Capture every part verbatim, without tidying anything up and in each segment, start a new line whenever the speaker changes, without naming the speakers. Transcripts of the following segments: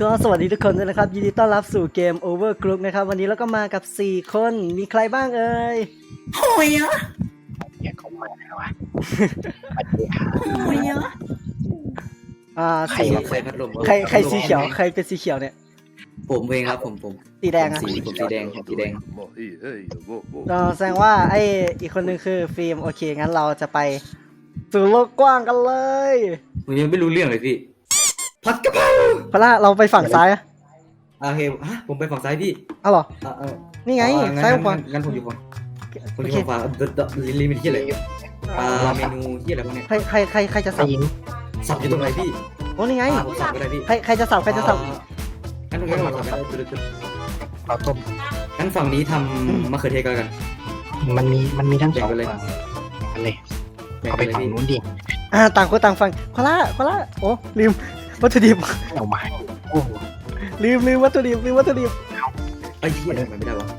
ก็สวัสดีทุกคนด้วยนะครับยินดีต้อนรับสู่เกม Overcooked นะครับวันนี้เราก็มากับสี่คนมีใครบ้างเอ่ย
โหยเหรอ
อย่าเข้ามานะวะ
โหยเหรอ
อ่า
ใคร
สี
มาเปิดพัดลม
ใครใครสีเขียวใครเป็นสีเขียวเนี่ย
ผมเองครับผมผม
สีแดงอะ
ผมสีผมสีแดงผมสีแดง
ก็แสดงว่าไออีกคนนึงคือฟิล์มโอเคงั้นเราจะไปสู่โลกกว้างกันเลย
ผมยังไม่รู้เรื่องเลยพี่ผัดกะเพรา
พล่าเราไปฝั่งซ้ายอะ
โอเคฮะผมไปฝั่งซ้ายพี่
เอาเหรอ
อ่ะเออ
นี่ไง
อ๋อ
ซ้าย
งั้น
ขวา
งั้นงั้นผมอยู่ฝั่งผม
โอ
อยู่
เค
ฝั่งขวาเดอะเดอะลิลิมิตที่อะไรอ่าเมนูที่อะไรพวกเนี้ย
ใครใครใครใครจะสับ
สับอยู่ตรงไหนพี่
โอ้นี่ไง
อ่าผมสับก็ได้พี่
ใครใครจะสับใครจะสับ
อ่างั้นงั้นเราสับไปเลย
เราต้ม
งั้นฝั่งนี้ทำมะเขือเทศก็แล้วกัน
มันมีมันมีทั้งสอง
แบ่งไปเลย
ฝั่งกันเลย
แบ่ง
เอา
ไป
ไป
เลย
ฝั่ง
พี่
นู้นดิ
อ่าต่างคนต่างฟังพล่าพล่าโอ้ลืมวัตถุดิบ
เอามาให้โอ้โห
ลืมลืมวัตถุดิบลืมวัตถุดิบ
ไอ้เหี้ยทำไมไม่ได้วะ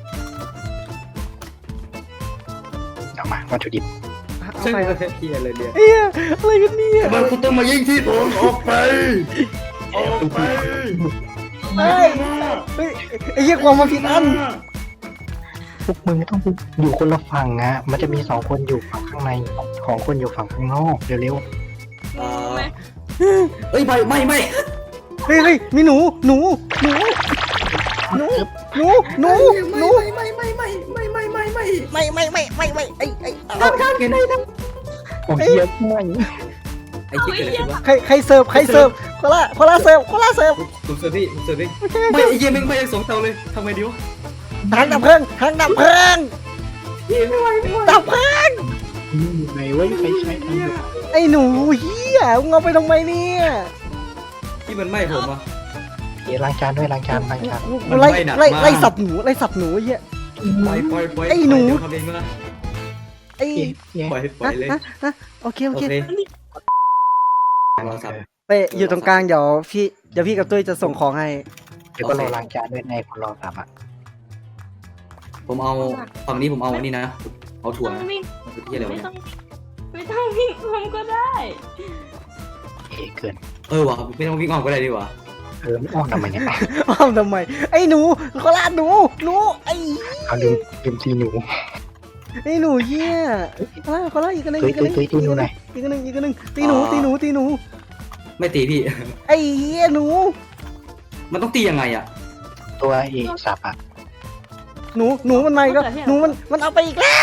เอามาวัตถุดิบ
เอา
ใช่
ไป
ไหมเหี้ยอะไรเนี่ย
เอ้ยอะไรกันเนี่ย
ทำไมคุณต้องมายิงที่ผมออกไปออกไป
เฮ้ยเฮ้ยไอ้เหี้ยความมาผิดอัน
พวกมึงต้องอยู่คนละฝั่งนะมันจะมีสองคนอยู่ฝั่งข้างในของคนอยู่ฝั่งข้างนอกเร็ว
เอ่อเอ้ยไม่ไม่ไม่
เฮ้ยเฮ้ยมีหนูหนูหนูหนูหนูหนูหนู
ไม่ไม่ไม่ไม่ไม่ไม่ไม่
ไม่ไม่ไม่ไม่ไม่ไอ้ไอ้
ทำทำกันได้ท
ๆโอ้ยเยอะมาก
ไอ้คิดเกิดอะไรขึ้นวะ
ใครใครเสิร์ฟใครเสิร์ฟโคลาโคลาเสิร์ฟโคลาเสิร์ฟ
ผมเสิร์ฟพี่ผมเสิร์ฟพี่ไม่ไอ้เหี้ยแม่งไม่ได้สองเตาเลยทำไงดีวะ
ทางดับเพลิงทางดับเพลิง
พี่ไม่ไหวไม่ไหว
ดับเพลิง
นี่อยู่ไหนวะใครใช้ทำอยู่
ไอ้หนูเหี้ยมึงเอาไปทำไมเนี่ย
ที่มันไหม้ผมอ่ะ
เดี๋ยวล้างจานด้วยล้างจานล้างจาน
กูไล่
มันไม่หนัก
ไล่
มาก
ไล่สับหนูไล่สับหนูไอ้เหี้ย
ปล่อยปล่อยปล่อย
ไอ้หนู
เดี๋ยวทำเองนะ
ไอ้
เอ๊ะเอ๊ะ
ปล่อยปล่อยเลย
ฮะฮะโอเคโอ
โอ
เค
เคเราสับ
ไปอยู่ตรงกลางเดี๋ยวพี่เดี๋ยวพี่กับตุ้ยจะส่งของให้
เดี๋ยวก็รอล้างจานด้วยในคนรอสับอ่ะ
ผมเอาฝั่งนี้ผมเอาอันนี้นะเอาถั่ว
ต้อ
นะ
งวิ่ง
มันคือที่อะไรวะ
ไม่
เนี่ย
ต้องไม่ต้องวิ่งพร้อมก็ได้
เอ๊ะเกิน
เออวะไม่ต้องวิ่งออกก็ได้ดีกว่า
เออไม่อ้อมทำไมเนี่ย
อ้อมทำไมไอ้หนูโคลาหนูหนูไอ้
เอาลืมลืมตีหนู
ไอ้หนูเหี้ยโคลาโคลาอีกอันหนึง
ตุ้ย
อีกอันหนึง
ตุ้ยตุ้ยตีหนูหน่อย
อีกอันหนึงอีกอันหนึงตีหนูตีหนูตีหนู
ไม่ตีพี่
ไอ้เหี้ยหนู
มันต้องตียังไงอ่ะ
ตัวเอกสับอ่ะ
หนูหนูมันมาอีกแล้วหนูมันมันเอาไปอีกแล้ว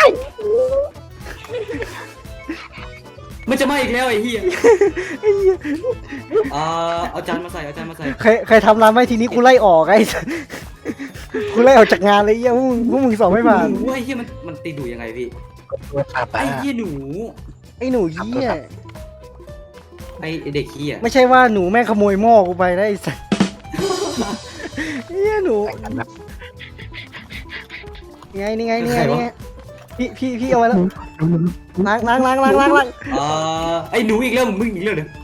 มันจะไหม้อีกแล้วไอ้เหี้ย
ไอ้เหี้ย
เอ่อเอาจานมาใส่เอาจานมาใส่
ใครใครทำร้านไม่ทีนี้กูไล่ออกไอ้ สัสกูไล่ออกจากงานเลยไอ้เหี้ยพวกมึงพวกมึงสอบไม่ผ่าน
หนูไอ้เหี้ยมันมันตีดูยังไงพี่
ตัวสับ
ไอ้
อ่ะ
เหี้ยหนู
ไอ้หนูเหี้ย
ไอ้เด็กขี้อ่ะ
ไม่ใช่ว่าหนูแม่งขโมยหม้อกูไปนะไอ้สัสเหี้ยหนู
แต่งกันแบบ
นี่ไงนี่ไงนี่ไงนี่ไงพี่พี่พี่เอาไว้แล้วล้างล้างล้างล้างล้างล้าง
เอ่อไอ้หนูอีกแล้วมึงอีกแล้วเด้อ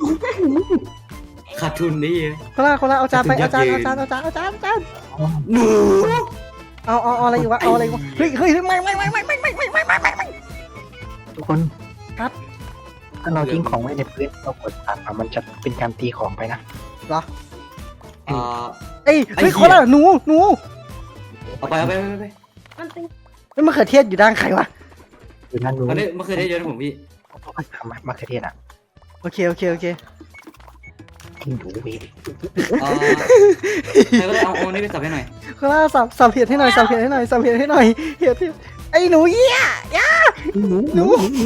ขาดทุนนี่
คนละคนละเอาจานไปเอาจานเอาจานเอาจานเอาจานเอาจาน
หนู
เอาเอาเอาอะไรอยู่วะเอาอะไรอยู่วะเฮ้ยเฮ้ยไม่ไม่ไม่ไม่ไม่ไม่ไม่ไม่ไม่ไม่ไม่
ทุกคน
ครับ
ถ้าเราทิ้งของไว้ในพื้นเรากดตัดอะมันจะเป็นการตีของไปนะ
เหรอ
เอ่อ
เอ้ย
ไอ้
เฮ้ย
เหี้
คน
ย
ละหนูหนู
เอาไปเอาไปเอาไป
มันเป็น
เฮ้ยมะเขือเทศอยู่ด้านใครวะ
คือนั่นรู้
อันนี้มันเคยได้เยอะนะผมพี่
ทำมะเขือเทศอ่ะ
โอเคโอเคโอเค
ทิ้งหนูเว้ย
เอ่อใครก็ได้เอาเอาอันนี้ไปสับให้หน่อย
คนละสับสับเห็ดให้หน่อยสับเห็ดให้หน่อยสับเห็ดให้หน่อยเห็ดเห็ดไอ้หนูเหี้ยย่า
หนู
หนู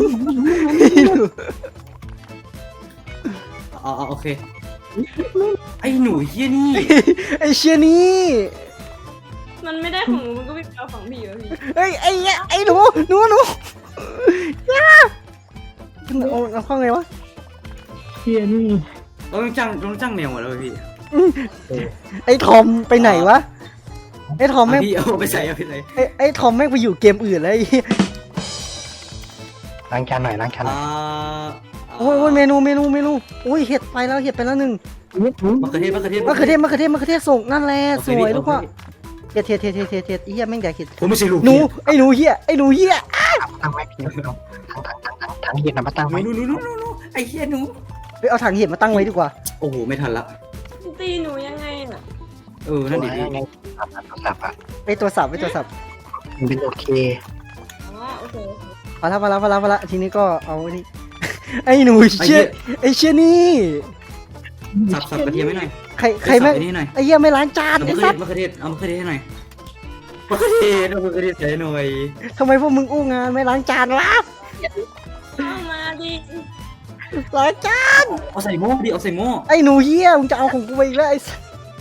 เอาเอาโอเคไอ้หนูเหี้ยนี่
ไอ้เชียนี่
มันไม่ได้ของหนูมันก็วิ่งเอาของพี่อยู่พี่
เฮ้ยไอ้เหี้ยไอ้หนูหนูหนูย่าเอาเอาเข้าไงวะ
เฮียนี่
เราต้องจ้างเราต้องจ้างแมวหมดแล้วพี่
ไอ้ทอมไปไหนวะไอ้ทอมแม่ง
พี่เอาไปใส่เอาไปใส่
ไอ้ไอ้ทอมแม่งไปอยู่เกมอื่นแล้วไอ้เหี้ย
ล้างจานหน่อยล้างจานหน่
อ่า
อย
โอ้ยโอ้ยเมนูเมนูเมนูโอ้ยเห็ดไปแล้วเห็ดไปแล้วหนึ่ง
มะเขือเทศมะเขือเทศ
มะเขือเทศมะเขือเทศมะเขือเทศส่งนั่นแหละ
โอ
ส
เค
วย
พี่
ลูกว่า
โอเค
เห็ดเห็ดเห็ดเห็ดเห็ดเห็ดไอ้เหี้ยแม่งอยากเห็ด
ผมไม่ใช่ลูก
หนูไอ้หนูเหี้ยไอ้หนูเหี้ย
ตั้งไว้พี่น้องทั้งทั้งทั้งทั้งทั้งเฮียนำมาตั้ง
หนู
ไว้
หนูหนูหนูหนูไอ้เหี้ยหนู
ไปเอาถังเห็ดมาตั้งไว้ดีกว่า
โอ้โหไม่ทันละ
ตีตีหนูยังไงอ่ะ
เออนั่นดิพี่
ไงโทรศัพท์อะ
ไอตัวสับไอตัวสับ
มันเป็นโอเค
อ๋อโอเค
พอละพอละพอละพอละทีนี้ก็เอานี่ ไอหนูเชี่ยไอเชี่ยนี่
สับสับกระเทียมให้หน่อย
ใครใครไม่
สับอ้นี่หน่อย
ไอเหี้ยไม่ล้างจาน
เอา
ไอ
มะเขือ
สั
เท
ต
ศ
ว์
มะเขือเทศเอามะเขือเทศให้หน่อยมะเขือเทศเอามะเขือเทศใส่หน่อย
ทำไมพวกมึงอู้งานไม่ล้างจานวะ
เข้ามาดิ
ล้างจาน
เอาใส่หม้อดิเอาใส่หม้อ
ไอหนูเหี้ยมึงจะเอาของกูไปอีกแล้วไอสัตว์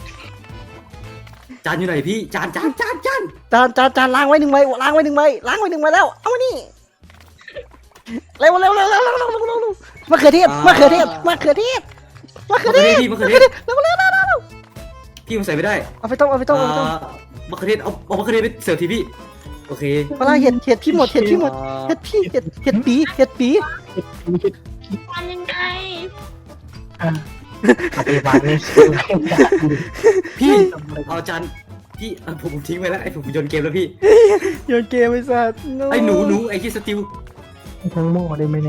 จานอยู่ไหนพี่จานจานจานจาน
จานจานจานล้างไว้หนึ่งใบล้างไว้หนึ่งใบล้างไว้หนึ่งใบแล้วเอามานี่เร็วเร็วเร็วเร็วเร็วเร็วเร็วเร็วเร็วมะเขือเทศมะเขือเทศมะเขือเทศมะเขือ
มะ
เท
เขือเทศ
ศ
พี่มะเขือเทศ
เร็วเร็วเร็วเร็วเร็ว
พี่มันใส่ไม่ได้
เอาไปต้มเอาไปต้มเอาไปต้ม
อ่ามะเขือเทศเอาเอามะเขือเทศไปเสิร์ฟทีพี่โอเค
ปลาเห็ดเห็ดพี่หมดเห็ดพี่หมดเห็ดพี่เห็ดเห็ดปีเห็ดปี
ทำยังไง
อ่ะเอาไปวางในซื้อ
พี่เอาจานพี่เอาผมผมทิ้งไว้แล้วไอ้ผมโยนเกมแล้วพี่
โยนเกมไอ้สัตว์
ไอ้หนูหนูไอ้ที่สติล
ทั้งหม้อได้ไหมเนี่ย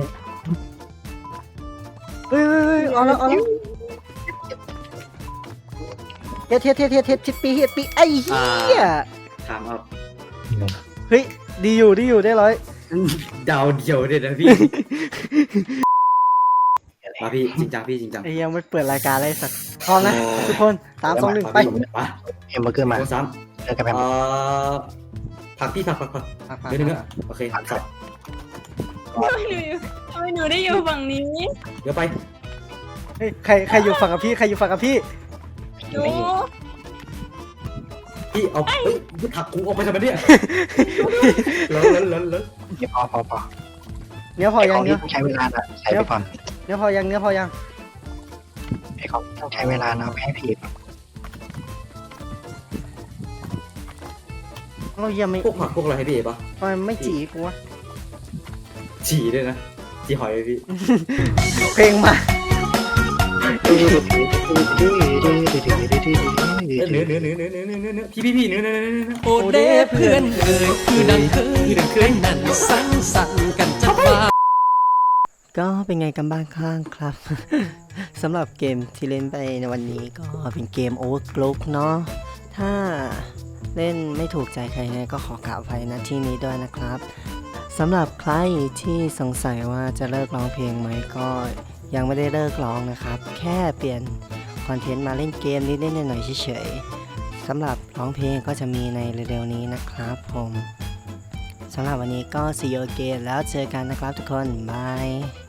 เฮ้ยเฮ้ยเฮ้ยเอาแล้วเอาแล้วเห็ดเห็ดเห็ดเห็ดเห็ดเห็ดปีเห็ดปีไอ้เหี้ย
ถามเอา
เฮ้ยดีอยู่ดีอยู่ได้ร้อย
ดาวเดียวเนี่ยนะพี่มาพี่จริงจังพี่จริงจัง
ไอ้ยังไม่เปิดรายการเลยสัตว์พร้อมนะทุกคนสามสองหนึ่งไป
มา
เอ็มเบอร์เกอร์มา
โอ้ซ้
เจอกัน
ำ
แป๊บ
เอ่อผักพี่ผักผักผักเดี๋ยวนึงนะโอเคสับ
ทำไมหนูอยู่ทำไมหนูได้อยู่ฝั่งนี้
เดี๋ยวไป
เฮ้ยใครใครอยู่ฝั่งกับพี่ใครอยู่ฝั่งกับพี่
หนู
พี่เอาเฮ้ยผักกูออกไปทำไมเนี่ยแล้วแล้วแล้วแล้ว
เดี๋ยวพอพอพอ
เนื้อพอ
ไอ
ยั
ของ ง
เนื้
ที่
อ
ต้องใช้เวลาน่ะใช้ไปก่อน
เนื้อพอยังเนื้อพอยัง
ไอของที่ต้องใช้เวลานะเอาไปให้ผีก่อน
เรายังไม่
พวกผักพวกอะไรให้พี่เอ๋ปะ
ทำไมไม่จีกูวะ
ฉี่ด้วยนะฉี่หอยเลยพี่
เพลงมา
เนื้อเนื้อเนื้อเนื้อเนื้อเนื้อเนื้อเนื้อพี่พี่พี่เนื้อเนื้อเนื้อเนื้อ
โอเดเพื่อนเอ่ยคือดังเคยนั่นสังสรรค์กันจะมา
ก็เป็นไงกันบ้างข้างครับ สำหรับเกมที่เล่นไปในวันนี้ก็เป็นเกม Overclock เนาะถ้าเล่นไม่ถูกใจใครไงก็ขอกล่าวอภัยนะที่นี้ด้วยนะครับสำหรับใครที่สงสัยว่าจะเลิกร้องเพลงไหมก็ยังไม่ได้เลิกร้องนะครับ แค่เปลี่ยนคอนเทนต์มาเล่นเกมนิดๆหน่อยๆเฉยๆสำหรับร้องเพลงก็จะมีในเร็วๆนี้นะครับผมสำหรับวันนี้ก็ see you again แล้วเจอกันนะครับทุกคนบาย